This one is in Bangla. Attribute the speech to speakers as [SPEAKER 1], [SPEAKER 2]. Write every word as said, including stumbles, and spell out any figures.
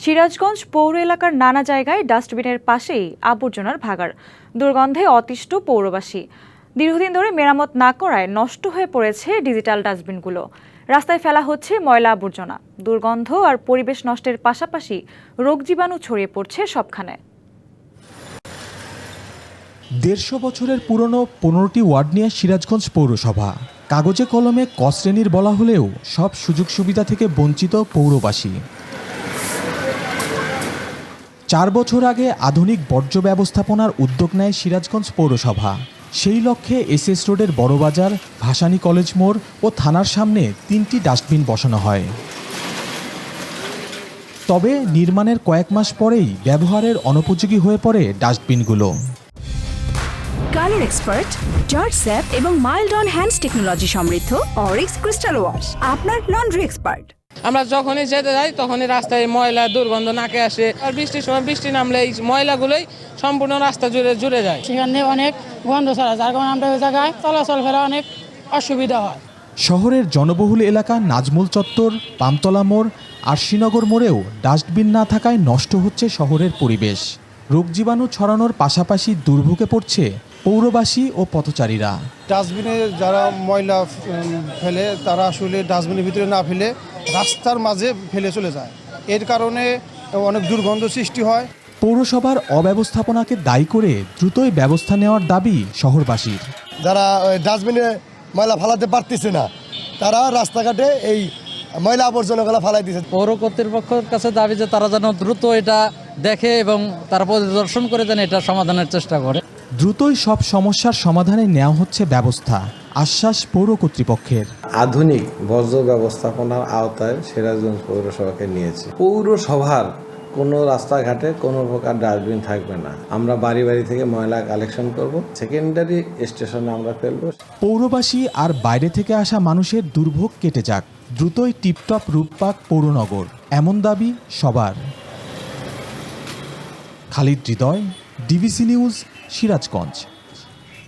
[SPEAKER 1] সিরাজগঞ্জ পৌর এলাকার নানা জায়গায় ডাস্টবিনের পাশেই আবর্জনার ভাগাড়। দুর্গন্ধে অতিষ্ঠ পৌরবাসী। দীর্ঘদিন ধরে মেরামত না করায় নষ্ট হয়ে পড়েছে ডিজিটাল ডাস্টবিনগুলো। রাস্তায় ফেলা হচ্ছে ময়লা আবর্জনা। দুর্গন্ধ আর পরিবেশ নষ্টের পাশাপাশি রোগ জীবাণু ছড়িয়ে পড়ছে সবখানে।
[SPEAKER 2] দেড়শো বছরের পুরনো পনেরোটি ওয়ার্ড নিয়ে সিরাজগঞ্জ পৌরসভা। কাগজে কলমে ক শ্রেণীর বলা হলেও সব সুযোগ সুবিধা থেকে বঞ্চিত পৌরবাসী। চার বছর আগে আধুনিক বর্জ্য ব্যবস্থাপনার উদ্যোগ নেয় সিরাজগঞ্জ পৌরসভা। সেই লক্ষ্যে এসএস রোডের বড়বাজার, ভাসানী কলেজ মোড় ও থানার সামনে তিনটি ডাস্টবিন বসানো হয়। তবে নির্মাণের কয়েক মাস পরেই ব্যবহারের অনুপযোগী হয়ে পড়ে ডাস্টবিনগুলো।
[SPEAKER 3] কালার এক্সপার্ট, জর্জ স্যাপ এবং মাইল্ড অন হ্যান্ডস টেকনোলজি সমৃদ্ধ অরিক্স ক্রিস্টাল ওয়াশ আপনার লন্ড্রি এক্সপার্ট।
[SPEAKER 4] আমরা যখনই যেতে যাই তখনই রাস্তায় ময়লা দুর্গন্ধ নাকে আসে, আর বৃষ্টির সময় বৃষ্টি নামলে এই ময়লাগুলোই সম্পূর্ণ রাস্তা জুড়ে জুড়ে যায়।
[SPEAKER 5] সেখানে অনেক গন্ধ ছড়া, যার কারণে আমরা ওই জায়গায় চলাচল ফেরা অনেক অসুবিধা হয়।
[SPEAKER 2] শহরের জনবহুল এলাকা নাজমুল চত্বর, পামতলা মোড় আর শ্রীনগর মোড়েও ডাস্টবিন না থাকায় নষ্ট হচ্ছে শহরের পরিবেশ। রোগ জীবাণু ছড়ানোর পাশাপাশি দুর্ভোগে পড়ছে পৌরবাসী ও পথচারীরা।
[SPEAKER 6] ডাস্টবিনে যারা ময়লা ফেলে তারা আসলে ডাস্টবিনের ভিতরে না ফেলে রাস্তার মাঝে ফেলে চলে যায়। এর কারণে অনেক দুর্গন্ধ সৃষ্টি হয়।
[SPEAKER 2] পৌরসভার অব্যবস্থাপনাকে দায়ী করে দ্রুতই ব্যবস্থা নেওয়ার দাবি শহরবাসীর।
[SPEAKER 7] যারা ডাস্টবিনে ময়লা ফালাতে পারতেছে না, তারা রাস্তাঘাটে এই ময়লা আবর্জনাগুলো ফালাই দিচ্ছে।
[SPEAKER 8] পৌর কর্তৃপক্ষের কাছে দাবি যে তারা যেন দ্রুত এটা দেখে এবং তারা পরিদর্শন করে যেন এটা সমাধানের চেষ্টা করে।
[SPEAKER 2] দ্রুতই সব সমস্যার সমাধানে নেওয়া হচ্ছে ব্যবস্থা, আশ্বাস পৌর কর্তৃপক্ষের।
[SPEAKER 9] আধুনিক বর্জ্য ব্যবস্থাপনার আওতায় সিরাজগঞ্জ পৌরসভাকে নিয়েছে। পৌরসভার কোনো রাস্তাঘাটে কোনো প্রকার ডাস্টবিন থাকবে না। আমরা বাড়ি বাড়ি থেকে ময়লা কালেকশন করব, সেকেন্ডারি স্টেশনে আমরা ফেলব।
[SPEAKER 2] পৌরবাসী আর বাইরে থেকে আসা মানুষের দুর্ভোগ কেটে যাক, দ্রুতই টিপটপ রূপ পাক পৌরনগর, এমন দাবি সবার। Khalid Hridoy, DBC news, Sirajganj.